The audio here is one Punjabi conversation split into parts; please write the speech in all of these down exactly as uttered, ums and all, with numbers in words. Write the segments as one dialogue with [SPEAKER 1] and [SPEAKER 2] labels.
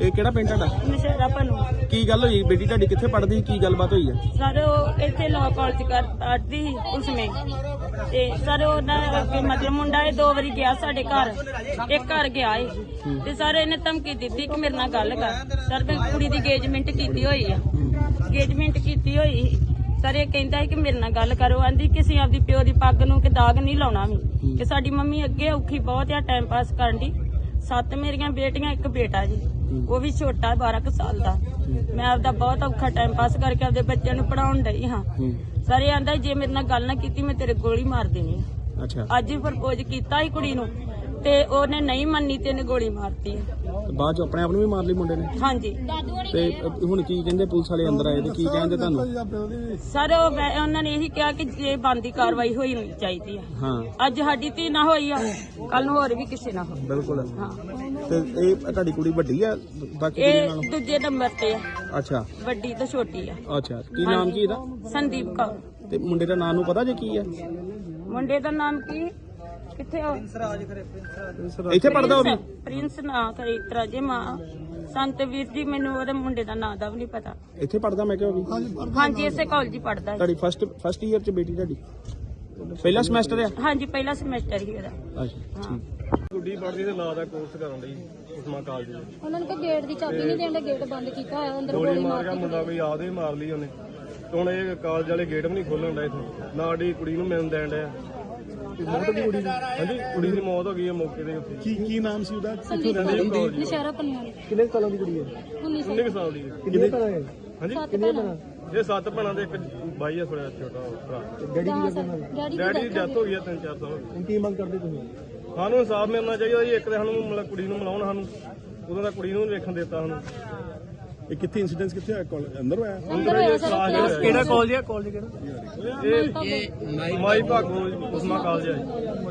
[SPEAKER 1] ਇਹ ਕਿਹੜਾ ਪਿੰਡ ਤੁਹਾਡਾ?
[SPEAKER 2] ਨਸ਼ਹਿਰਾ ਭਨੂ।
[SPEAKER 1] ਕੀ ਗੱਲ ਹੋਈ? ਬੇਟੀ ਤੁਹਾਡੀ ਕਿੱਥੇ ਪੜ੍ਹਦੀ ਸੀ? ਕੀ ਗੱਲਬਾਤ ਹੋਈ ਹੈ?
[SPEAKER 2] ਸਰ ਉਹ ਇੱਥੇ ਲਾਅ ਕਾਲਜ ਕਰ ਪੜ੍ਹਦੀ ਸੀ ਉਸਮੇ ਤੇ ਸਰ ਉਹਨਾਂ ਮਤਲਬ ਮੁੰਡਾ ਇਹ ਦੋ ਵਾਰੀ ਗਿਆ ਸਾਡੇ ਘਰ, ਇੱਕ ਘਰ ਗਿਆ ਏ ਤੇ ਸਰ ਇਹਨੇ ਧਮਕੀ ਦਿੱਤੀ ਕਿ ਮੇਰੇ ਨਾਲ ਗੱਲ ਕਰ। ਸਰ ਮੈਂ ਕੁੜੀ ਦੀ ਅੰਗੇਜਮੈਂਟ ਕੀਤੀ ਹੋਈ ਆ, ਅੰਗੇਜਮੈਂਟ ਕੀਤੀ ਹੋਈ ਸਰ ਇਹ ਕਹਿੰਦਾ ਹੈ ਕਿ ਮੇਰੇ ਨਾਲ ਗੱਲ ਕਰੋ। ਆਂਦੀ ਕਿਸੇ ਆਪਦੀ ਪਿਓ ਦੀ ਪੱਗ ਨੂੰ ਕਿ ਦਾਗ ਨਹੀਂ ਲਾਉਣਾ ਵੀ ਕਿ ਸਾਡੀ ਮੰਮੀ ਅੱਗੇ ਔਖੀ ਬਹੁਤ ਆ ਟਾਈਮ ਪਾਸ ਕਰਨ ਦੀ। ਸੱਤ ਮੇਰੀਆਂ ਬੇਟੀਆਂ, ਇੱਕ ਬੇਟਾ ਜੀ, ਉਹ ਵੀ ਛੋਟਾ ਬਾਰਾਂ ਕੁ ਸਾਲ ਦਾ। ਮੈਂ ਆਪਦਾ ਬਹੁਤ ਔਖਾ ਟਾਈਮ ਪਾਸ ਕਰਕੇ ਆਪਦੇ ਬੱਚਿਆਂ ਨੂੰ ਪੜਾਉਣ ਡਈ ਹਾਂ। ਸਰ ਇਹ ਆਂਦਾ ਜੇ ਮੇਰੇ ਨਾਲ ਗੱਲ ਨਾ ਕੀਤੀ ਮੈਂ ਤੇਰੇ ਗੋਲੀ ਮਾਰ ਦੇਣੀ ਆ।
[SPEAKER 1] ਅੱਛਾ।
[SPEAKER 2] ਅੱਜ ਹੀ ਪ੍ਰਪੋਜ਼ ਕੀਤਾ ਸੀ ਕੁੜੀ ਨੂੰ ਤੇ ਉਹਨੇ ਨਹੀਂ ਮੰਨੀ ਤੇ ਇਹਨੇ ਗੋਲੀ ਮਾਰਤੀ।
[SPEAKER 1] ਬਾਅਦ ਚ ਆਪਣੇ ਆਪ ਨੂੰ ਵੀ ਮਾਰ ਲਈ ਮੁੰਡੇ ਨੇ?
[SPEAKER 2] ਹਾਂਜੀ।
[SPEAKER 1] ਤੇ ਹੁਣ ਕੀ ਕਹਿੰਦੇ ਪੁਲਿਸ ਵਾਲੇ ਅੰਦਰ ਆਏ ਤੇ ਕੀ ਕਹਿੰਦੇ ਤੁਹਾਨੂੰ?
[SPEAKER 2] ਸਰ ਉਹ ਮੈਂ ਉਹਨਾਂ ਨੇ ਇਹੀ ਕਿਹਾ ਕਿ ਜੇ ਬੰਦੀ ਕਾਰਵਾਈ ਹੋਈ ਚਾਹੀਦੀ ਆ।
[SPEAKER 1] ਹਾਂ।
[SPEAKER 2] ਅੱਜ ਸਾਡੀ ਧੀ ਨਾ ਹੋਈ ਆ, ਕੱਲ ਨੂੰ ਹੋਰ ਵੀ ਕਿਸੇ ਨਾ ਹੋ।
[SPEAKER 1] ਬਿਲਕੁਲ।
[SPEAKER 2] ਹਾਂ।
[SPEAKER 1] ਤੇ ਇਹ ਤੁਹਾਡੀ ਕੁੜੀ ਵੱਡੀ ਆ ਬਾਕੀ ਕੁੜੀਆਂ
[SPEAKER 2] ਇਹ
[SPEAKER 1] ਨਾਲੋਂ?
[SPEAKER 2] ਦੂਜੇ ਨੰਬਰ ਤੇ ਆ।
[SPEAKER 1] ਅੱਛਾ।
[SPEAKER 2] ਵੱਡੀ ਤੇ ਛੋਟੀ ਆ।
[SPEAKER 1] ਅੱਛਾ। ਕੀ ਨਾਮ ਕੀ ਇਹਦਾ?
[SPEAKER 2] ਸੰਦੀਪ ਕੌਰ।
[SPEAKER 1] ਤੇ ਮੁੰਡੇ ਦਾ ਨਾਮ ਨੂੰ ਪਤਾ ਜੇ ਕੀ ਆ?
[SPEAKER 2] ਮੁੰਡੇ ਦਾ ਨਾਮ ਕੀ? ਕਿੱਥੇ ਆ?
[SPEAKER 1] ਇੱਥੇ ਪੜਦਾ ਉਹ ਵੀ?
[SPEAKER 2] ਪ੍ਰਿੰਸ ਨਾ ਕਰੇ ਇਤਰਾ ਜੇ ਮਾਂ ਸੰਤ ਵੀਰ ਜੀ, ਮੈਨੂੰ ਉਹਦੇ ਮੁੰਡੇ ਦਾ ਨਾਂ ਦਾ ਵੀ ਨਹੀਂ ਪਤਾ।
[SPEAKER 1] ਇੱਥੇ ਪੜਦਾ ਮੈਂ ਕਿਹਾ ਉਹ ਵੀ?
[SPEAKER 2] ਹਾਂਜੀ ਇਸੇ ਕਾਲਜ ਹੀ ਪੜਦਾ।
[SPEAKER 1] ਤੁਹਾਡੀ ਫਸਟ ਫਸਟ ਈਅਰ ਚ ਬੇਟੀ ਤੁਹਾਡੀ? ਪਹਿਲਾ ਸਮੈਸਟਰ ਆ?
[SPEAKER 2] ਹਾਂਜੀ ਪਹਿਲਾ ਸਮੈਸਟਰ ਹੀ ਉਹਦਾ।
[SPEAKER 1] ਅੱਛਾ ਠੀਕ।
[SPEAKER 3] ਗੁੱਡੀ ਪੜ੍ਹਦੀ ਤੇ ਲਾ ਦਾ ਕੋਰਸ ਕਰਨ ਲਈ ਉਸਮਾ ਕਾਲਜ ਦੇ।
[SPEAKER 4] ਉਹਨਾਂ ਨੇ ਕਿ ਗੇਟ ਦੀ ਚਾਬੀ ਨਹੀਂ ਦੇਣ, ਗੇਟ ਬੰਦ ਕੀਤਾ ਹੋਇਆ, ਅੰਦਰ
[SPEAKER 3] ਗੋਲੀ ਮਾਰ ਗਿਆ ਮੁੰਡਾ, ਕੋਈ ਆਦੇ ਹੀ ਮਾਰ ਲਈ ਉਹਨੇ। ਤੇ ਹੁਣ ਇਹ ਕਾਲਜ ਵਾਲੇ ਗੇਟ ਵੀ ਨਹੀਂ ਖੋਲਣ ਡਏ ਇੱਥੋਂ, ਨਾ ਸਾਡੀ ਕੁੜੀ ਨੂੰ ਮਿਲਣ ਦੇਣ ਡਿਆ।
[SPEAKER 1] ਮੌਤ ਦੀ ਕੁੜੀ ਦੀ?
[SPEAKER 3] ਹਾਂਜੀ, ਕੁੜੀ ਦੀ ਮੌਤ ਹੋ ਗਈ ਹੈ ਮੌਕੇ ਦੇ ਉੱਤੇ।
[SPEAKER 1] ਕੀ ਕੀ ਨਾਮ ਸੀ ਉਹਦਾ?
[SPEAKER 4] ਸੰਦੀਪ ਨਸ਼ਹਿਰਾ ਪਨੀਆ।
[SPEAKER 1] ਕਿੰਨੇ ਸਾਲਾਂ ਦੀ ਕੁੜੀ ਹੈ?
[SPEAKER 4] ਉੱਨੀ
[SPEAKER 3] ਉੱਨੀ ਕੁ ਸਾਲ ਦੀ ਹੈ।
[SPEAKER 1] ਕਿੰਨੇ ਭਰਾ ਹੈ?
[SPEAKER 3] ਹਾਂਜੀ,
[SPEAKER 4] ਕਿੰਨੇ ਭੈਣਾਂ?
[SPEAKER 3] ਇਹ ਸੱਤ ਭੈਣਾਂ ਦੇ ਇੱਕ ਬਾਈ ਆ ਥੋੜਾ ਛੋਟਾ ਭਰਾ।
[SPEAKER 1] ਡੈਡੀ ਕੀ ਕਰਦੇ ਉਹਨਾਂ ਦੇ?
[SPEAKER 4] ਡੈਡੀ
[SPEAKER 3] ਡੈਡੀ ਦੀ ਡੈਥ ਹੋ ਗਈ ਹੈ ਤਿੰਨ ਚਾਰ ਸਾਲ।
[SPEAKER 1] ਹੁਣ ਕੀ ਮੰਗ ਕਰਦੇ ਤੁਸੀਂ?
[SPEAKER 3] ਸਾਨੂੰ ਇਨਸਾਫ ਮਿਲਣਾ ਚਾਹੀਦਾ ਜੀ। ਇੱਕ ਤਾਂ ਸਾਨੂੰ ਮਤਲਬ ਕੁੜੀ ਨੂੰ ਮਿਲਾਉਣ, ਸਾਨੂੰ ਉਦੋਂ ਦਾ ਕੁੜੀ ਨੂੰ ਵੀ ਵੇਖਣ ਦਿੱਤਾ ਸਾਨੂੰ।
[SPEAKER 1] ਇਹ ਕਿੱਥੇ ਇਨਸੀਡੈਂਟ ਕਿੱਥੇ ਹੋਇਆ? ਅੰਦਰ ਹੋਇਆ?
[SPEAKER 3] ਕਿਹੜਾ ਕਾਲਜ ਹੈ? ਕਾਲਜ ਕਿਹੜਾ? ਇਹ ਮਾਈ ਭਾਗੋ ਉਸਮਾ ਕਾਲਜ ਹੈ।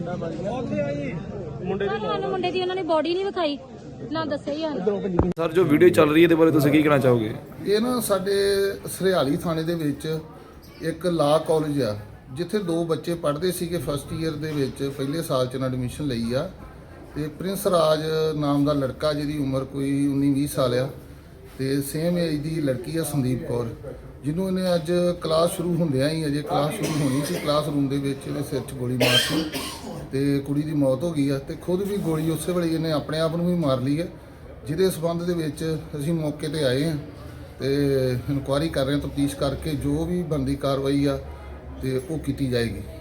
[SPEAKER 3] ਮੁੰਡੇ ਦੀ
[SPEAKER 4] ਸਾਨੂੰ ਮੁੰਡੇ ਦੀ ਉਹਨਾਂ ਨੇ ਬੋਡੀ ਨਹੀਂ ਵਿਖਾਈ, ਨਾ ਦੱਸਿਆ ਹੀ ਹਨ।
[SPEAKER 5] ਸਰ ਜੋ ਵੀਡੀਓ ਚੱਲ ਰਹੀ ਹੈ ਇਹਦੇ ਬਾਰੇ ਤੁਸੀਂ ਕੀ ਕਹਿਣਾ ਚਾਹੋਗੇ?
[SPEAKER 6] ਇਹ ਨਾ ਸਾਡੇ ਸਰਿਆਲੀ ਥਾਣੇ ਦੇ ਵਿੱਚ ਇੱਕ ਲਾ ਕਾਲਜ ਆ, ਜਿੱਥੇ ਦੋ ਬੱਚੇ ਪੜ੍ਹਦੇ ਸੀਗੇ ਫਸਟ ਈਅਰ ਦੇ ਵਿੱਚ, ਪਹਿਲੇ ਸਾਲ 'ਚ ਇਹਨਾਂ ਐਡਮਿਸ਼ਨ ਲਈ ਆ। ਤੇ ਪ੍ਰਿੰਸ ਰਾਜ ਨਾਮ ਦਾ ਲੜਕਾ, ਜਿਹਦੀ ਉਮਰ ਕੋਈ ਉੱਨੀ ਵੀਹ ਸਾਲ ਆ, ਤੇ ਸੇਮ ਏਜ ਦੀ ਲੜਕੀ ਆ ਸੰਦੀਪ ਕੌਰ, ਜਿਹਨੂੰ ਇਹਨੇ ਅੱਜ ਕਲਾਸ ਸ਼ੁਰੂ ਹੁੰਦਿਆਂ ਹੀ, ਅਜੇ ਕਲਾਸ ਸ਼ੁਰੂ ਹੋਣੀ ਸੀ, ਕਲਾਸਰੂਮ ਦੇ ਵਿੱਚ ਇਹਦੇ ਸਿਰ 'ਚ ਗੋਲੀ ਮਾਰਤੀ ਤੇ ਕੁੜੀ ਦੀ ਮੌਤ ਹੋ ਗਈ ਆ। ਤੇ ਖੁਦ ਵੀ ਗੋਲੀ ਉਸੇ ਵੇਲੇ ਇਹਨੇ ਆਪਣੇ ਆਪ ਨੂੰ ਵੀ ਮਾਰ ਲਈ ਹੈ, ਜਿਹਦੇ ਸਬੰਧ ਦੇ ਵਿੱਚ ਅਸੀਂ ਮੌਕੇ ਤੇ ਆਏ ਹਾਂ ਤੇ ਇਨਕੁਆਇਰੀ ਕਰ ਰਹੇ ਹਾਂ, ਤਫਤੀਸ਼ ਕਰਕੇ ਜੋ ਵੀ ਬਣਦੀ ਕਾਰਵਾਈ ਆ ਤੇ ਉਹ ਕੀਤੀ ਜਾਏਗੀ।